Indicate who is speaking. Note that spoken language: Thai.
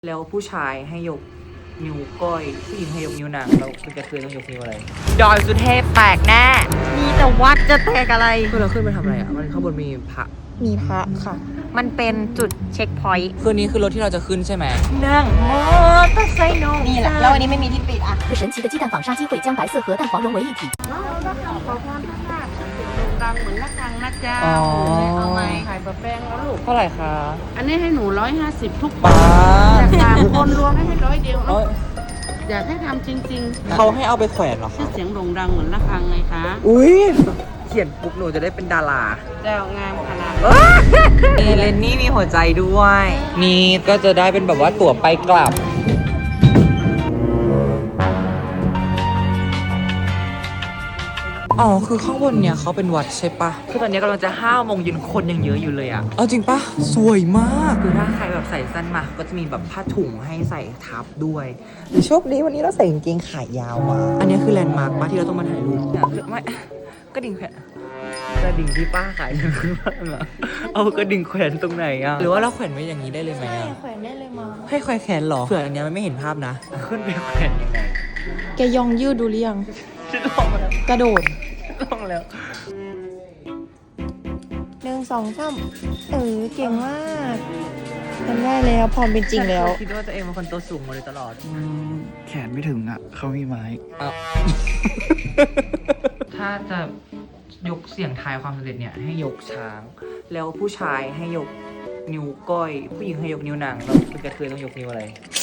Speaker 1: แล้วผู้ชายให้ยกนิ้วก้อยผู้หญิงให้ยกนิ้วนางแล้วคุณจะเคยต้องยกนิ้วอะไรดอยสุเทพแตกแน่
Speaker 2: มีแต่วัดจะแตกอะไร
Speaker 1: คือเราขึ้นไปทำอะไรอ่ะมันข้างบนมีพระ
Speaker 2: มีพระค่ะ มันเป็นจุดเช็คพอยต์
Speaker 1: คืนนี้คือรถที่เราจะขึ้นใช่ไหม
Speaker 2: นั่งมอเตอร์ไซค์น้องนี่แหละแล้ววันนี้ไม่มีที่ปิดอ่ะ
Speaker 3: 神奇的鸡蛋纺纱机会将白色和蛋黄融为一体。
Speaker 2: ขอพรพระธาตุดังเหมือนละครังนะจ๊ะเอาไหมขายบะแป้งแล้วลูก
Speaker 1: เท่าไหร่คะ
Speaker 2: อันนี้ให้หนู150ทุก
Speaker 1: ป้า
Speaker 2: จาก3คนรวมให้100เดียวอยากให้ทำจริงๆ
Speaker 1: เขาให้เอาไปแขวนเหรอ
Speaker 2: ชื่
Speaker 1: คะ
Speaker 2: อเสียงโด่งดังเหมือนละครังไงคะ
Speaker 1: อุ้ยเขียนปุ๊บหนูจะได้เป็นดารา
Speaker 2: เจ้างามขนาด
Speaker 1: นี่เลนนี่มีหัวใจด้วย นี่ก็จะได้เป็นแบบว่าตั๋วไปกลับอ๋อคือข้างบนเนี่ยเขาเป็นวัดใช่ปะคือตอนนี้กำลังจะ5 โมงเย็นคนยังเยอะอยู่เลยอะเอาจริงปะสวยมากคือถ้าใครแบบใส่สั้นมาก็จะมีแบบผ้าถุงให้ใส่ทับด้วยโชคดีวันนี้เราใส่กางเกงขายาวมาอันนี้คือแลนด์มาร์คปะที่เราต้องมาถ่ายรูปเนี่ยคือไม่กระดิ่งแขวนกระดิ่งที่ป้าขายคือป้าอะเอากระดิ่งแขวนตรงไหนอะหรือว่าเราแขวนไว้อย่างนี้ได้เลยไหมอะ
Speaker 3: แขวนได้เลยมา
Speaker 1: ให้แขวนเหรอเผื่ออันเนี้ยมันไม่เห็นภาพนะขึ้นไปแขวนยังไง
Speaker 3: แกยองยืดดูหรือยัง
Speaker 1: ฉันลองแล้ว
Speaker 3: กระโดด
Speaker 1: ลองแล้ว
Speaker 3: 1 2 3เก่งมากทำได้แล้วพร้อมเป็นจริงแล้ว
Speaker 1: คิดว่าตัวเองเป็นคนตัวสูงมาเลยตลอด
Speaker 4: แขนไม่ถึงอ่ะ เขามีไม้
Speaker 1: ถ้าจะยกเสียงทายความสำเร็จเนี่ยให้ยกช้าง แล้วผู้ชายให้ยกนิ้วก้อย ผู้หญิงให้ยกนิ้วนางแล้วคุณกระเทยต้องยกนิ้วอะไร